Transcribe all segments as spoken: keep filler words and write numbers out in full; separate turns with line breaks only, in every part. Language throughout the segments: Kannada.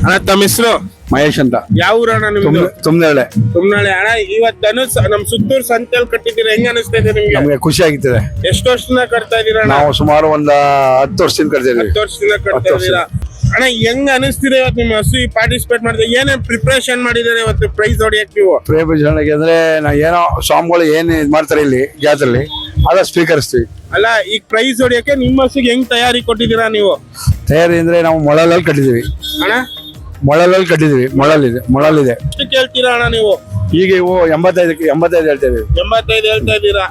ಅಣ್ಣ ತಮ್ಮ ಹೆಸರು
ಮಹೇಶ್ ಅಂತ.
ಯಾವ ಊರಣ್ಣ ನಿಮ್ದು?
ತುಂಬಳೆ.
ತುಂಬನಾಳೆ. ಅಣ್ಣ ಇವತ್ ಧನುಷ್ ನಮ್ ಸುತ್ತೂರು ಸಂತೆಲ್ ಕಟ್ಟಿದ್ದೀರಾ, ಹೆಂಗ್ ಅನಿಸ್ತಾ ಇದೆ ನಿಮ್ಗೆ?
ನಮ್ಗೆ ಖುಷಿ ಆಗ್ತದೆ.
ಎಷ್ಟು ವರ್ಷದಿಂದ ಕಟ್ತಾ ಇದೀರ?
ನಾವು ಸುಮಾರು ಒಂದ್ ಹತ್ತು ವರ್ಷದಿಂದ ಕಟ್ತಿದ್ವಿ.
ಹತ್ತು ವರ್ಷದಿಂದ ಕಟ್ತಾ ಇದೀರಾ ಅಣ್ಣ. ಹೆಂಗ್ ಅನಿಸ್ತಿದೆ ಇವತ್ತು ನಿಮ್ಮ ಹಸು ಪಾರ್ಟಿಸಿಪೇಟ್ ಮಾಡಿದ್ರೆ? ಏನೇನ್ ಪ್ರಿಪರೇಷನ್ ಮಾಡಿದಾರೆ ಇವತ್ತು ಪ್ರೈಸ್ ಹೊಡಿಯಕ್ ನೀವು?
ಪ್ರೇಮಜನಕ್ಕೆ ಅಂದ್ರೆ ನಾ ಏನೋ ಸ್ವಾಮಿಗಳು ಏನ್ ಇದ್ ಮಾಡ್ತಾರೆ ಇಲ್ಲಿ ಜಾತ್ರೆಲಿ ಅದ ಸ್ವೀಕರಿಸ್ತೀವಿ.
ಅಲ್ಲ, ಈಗ ಪ್ರೈಸ್ ಹೊಡಿಯಕ್ಕೆ ನಿಮ್ಮ ಹಸುಗೆ ಹೆಂಗ್ ತಯಾರಿ ಕೊಟ್ಟಿದ್ದೀರಾ ನೀವು?
ತಯಾರಿ ಅಂದ್ರೆ ನಾವು ಮೊಳಲಲ್ಲಿ ಕಟ್ಟಿದೀವಿ.
ಅಣ್ಣ
ಮೊಳಲಲ್ಲಿ ಕಟ್ಟಿದೀವಿ. ಮೊಳಲಿದೆ ಮೊಳಲಿದೆ.
ಎಷ್ಟು ಕೇಳ್ತೀರಾ ಅಣ್ಣ ನೀವು?
ಈಗ ಇವು ಎಂಬತ್ತೈದಕ್ಕೆ ಎಂಬತ್ತೈದು ಹೇಳ್ತಾ ಇದೀವಿ.
ಎಂಬತ್ತೈದು ಹೇಳ್ತಾ ಇದ್ದೀರಾ?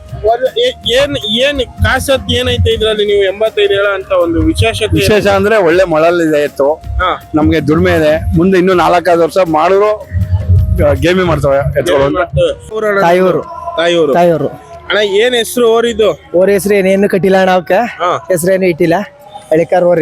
ಏನ್ ಏನ್ ಕಾಸತ್ ಏನೈತೆ ಇದ್ರಲ್ಲಿ ನೀವು ಎಂಬತ್ತೈದು ಹೇಳೋ ಅಂತ ಒಂದು ವಿಶೇಷತೆ?
ವಿಶೇಷ ಅಂದ್ರೆ ಒಳ್ಳೆ ಮೊಳಲಿದೆ ಎತ್ತು. ನಮ್ಗೆ ದುಡಿಮೆ ಇದೆ. ಮುಂದೆ ಇನ್ನೂ ನಾಲ್ಕೈದು ವರ್ಷ ಮಾಡಿದ್ರು ಗೇಮಿ ಮಾಡ್ತವೆ ಎತ್ತುಗಳು.
ತಾಯಿಯವರು
ತಾಯಿಯವರು
ತಾಯಿಯವರು
ಅಣ್ಣ, ಏನ್ ಹೆಸರು ಓರಿದು?
ಓರ್ ಹೆಸರು ಏನೇನು ಕಟ್ಟಿಲ್ಲ ಅಣ್ಣ. ಅವಕ್ಕ ಹೆಸರೇನು ಇಟ್ಟಿಲ್ಲ. ಹಳಿಕಾರ್ ಓರಿ.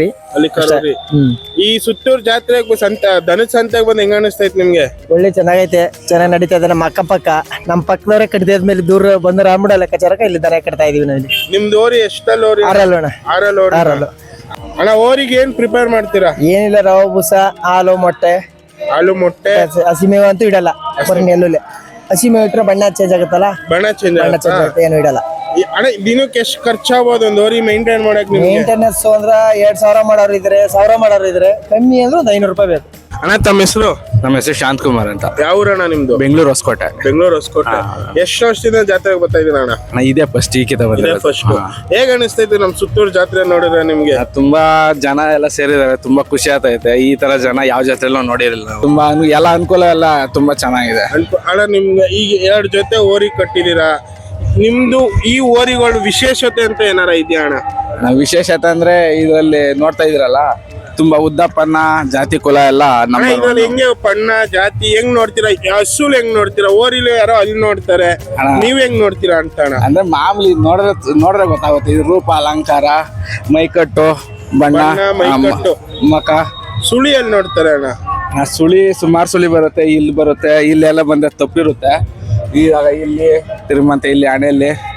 ಈ ಸುತ್ತೂರು ಜಾತ್ರೆಗೆ ಸಂತ ಧನುಷ್ ಸಂತೆಗೆ ಬಂದ್ ಹೆಂಗ ಅನಿಸ್ತೈತಿ ನಿಮ್ಗೆ?
ಒಳ್ಳೆ ಚೆನ್ನಾಗೈತೆ, ಚೆನ್ನಾಗಿ ನಡೀತಾ ಇದೆ. ನಮ್ಮ ಅಕ್ಕ ಪಕ್ಕ ನಮ್ಮ ಪಕ್ಕದವರೇ ಕಟ್ಟಿದ್ಮೇಲೆ ದೂರ ಬಂದ್ರೆ ಆಮ್ಬಿಡ ಲೆಕ್ಕಾಚಾರಕ ಇಲ್ಲಿ ದನ ಕಟ್ತಾ ಇದೀವಿ ನಾವು.
ನಿಮ್ದು ಓರಿ ಎಷ್ಟಲ್ಲಿ ಓರಿ?
ಆರಲ್ಲು ಅಣ್ಣ.
ಆರಲ್ಲು ಓರಿ.
ಆರಲ್ಲು
ಅಣ್ಣ, ಓರಿಗೆ ಏನ್ ಪ್ರಿಪೇರ್ ಮಾಡ್ತೀರಾ?
ಏನಿಲ್ಲ, ರವೆ ಬೂಸ, ಹಾಲು, ಮೊಟ್ಟೆ,
ಹಾಲು ಮೊಟ್ಟೆ,
ಹಸಿಮೇವ ಅಂತೂ ಇಡಲ್ಲ. ಬರೀ ನೆಲ್ಲುಲೆ ಹಸಿಮೇವ ಇಟ್ರೆ ಬಣ್ಣ ಚೇಂಜ್ ಆಗುತ್ತಲ್ಲ,
ಬಣ್ಣ ಚೇಂಜ್
ಬಣ್ಣ ಚೇಂಜ್ ಆಗುತ್ತೆ, ಏನು ಇಡಲ್ಲ.
ಅಣ್ಣ, ದಿನಕ್ಕೆ ಎಷ್ಟು ಖರ್ಚಾಗ್ಬೋದು ಒಂದು ಓರಿ ಮೇಂಟೈನ್ ಮಾಡಕ್ ನಿಮ್ಗೆ?
ಮೇಂಟೆನೆನ್ಸ್ ಅಂದ್ರ ಎರಡ್ ಸಾವಿರ ಮಾಡೋರು ಇದ್ರೆ, ಸಾವಿರ ಮಾಡೋರು ಇದ್ರೆ, ಕಮ್ಮಿ ಅಂದ್ರೆ ಒಂದು ಐನೂರು ರೂಪಾಯಿ ಬೇಕು.
ಅಣ್ಣ, ತಮ್ಮ ಹೆಸರು?
ನಮ್ಮ ಹೆಸರು ಶಾಂತ್ ಕುಮಾರ್ ಅಂತ.
ಯಾವ ಊರಣ್ಣ ನಿಮ್ದು?
ಬೆಂಗಳೂರು ಹೊಸಕೋಟೆ.
ಬೆಂಗಳೂರು ಹೊಸಕೋಟೆ. ಎಷ್ಟು ವರ್ಷದಿಂದ ಜಾತ್ರೆಗೆ ಬರ್ತಾ ಇದೀರ ಅಣ್ಣ?
ಅಣ್ಣ, ಇದೇ ಫಸ್ಟ್ ಈಕಿತ ಬಂದಿದೆ.
ಫಸ್ಟ್ ಹೇಗ ಅನಿಸ್ತೈತೆ ನಮ್ ಸುತ್ತೂರು ಜಾತ್ರೆ ನೋಡಿದ್ರೆ ನಿಮ್ಗೆ?
ತುಂಬಾ ಜನ ಎಲ್ಲ ಸೇರಿದಾರೆ, ತುಂಬಾ ಖುಷಿ ಆಗ್ತೈತೆ. ಈ ತರ ಜನ ಯಾವ ಜಾತ್ರೆಲ್ಲೂ ನೋಡಿರಲಿಲ್ಲ ನಾವು. ತುಂಬಾ ಅನು- ಎಲ್ಲ ಅನುಕೂಲ ಎಲ್ಲ ತುಂಬಾ ಚೆನ್ನಾಗಿದೆ.
ಅನ್ಕೊ- ಅಣ್ಣ, ನಿಮ್ಗೆ ಈಗ ಎರಡು ಜೊತೆ ಓರಿ ಕಟ್ಟಿದೀರಾ. ನಿಮ್ದು ಈ ಓರಿಗಳು ವಿಶೇಷತೆ ಅಂತ ಏನಾರ ಇದೆಯಾ ಅಣ್ಣ?
ನಾವು ವಿಶೇಷತೆ ಅಂದ್ರೆ ಇದರಲ್ಲಿ ನೋಡ್ತಾ ಇದ್ರಲ್ಲ, ತುಂಬಾ ಉದ್ದಪ್ಪನ್ನ ಜಾತಿ ಕುಲ ಎಲ್ಲ ನಮ್ಮ
ಅಣ್ಣ, ಇದ್ರಲ್ಲಿ ಹೆಂಗೆ ಪಣ್ಣ ಜಾತಿ ಹೆಂಗ್ ನೋಡ್ತೀರಾ? ಹಸುಲ್ ಹೆಂಗ್ ನೋಡ್ತೀರಾ? ಓರಿಲು ಯಾರೋ ಅಲ್ಲಿ ನೋಡ್ತಾರೆ, ನೀವ್ ಹೆಂಗ್ ನೋಡ್ತೀರಾ ಅಂತ ಅಣ್ಣ?
ಅಂದ್ರೆ ಮಾಮೂಲಿ ನೋಡ್ರೆ ನೋಡ್ರೆ ಗೊತ್ತಾಗುತ್ತೆ. ಇದು ರೂಪ, ಅಲಂಕಾರ, ಮೈಕಟ್ಟು, ಬಣ್ಣ,
ಬಣ್ಣ, ಮೈಕಟ್ಟು.
ಮಕ,
ಸುಳಿಯಲ್ಲಿ ನೋಡ್ತಾರೆ ಅಣ್ಣ.
ಆ ಸುಳಿ ಸುಮಾರು ಸುಳಿ ಬರುತ್ತೆ, ಇಲ್ಲಿ ಬರುತ್ತೆ, ಇಲ್ಲೆಲ್ಲ ಬಂದ ತಪ್ಪಿರುತ್ತೆ. ಈಗ ಇಲ್ಲಿ ತಿರುಮಂತೆ, ಇಲ್ಲಿ ಹಣೆಯಲ್ಲಿ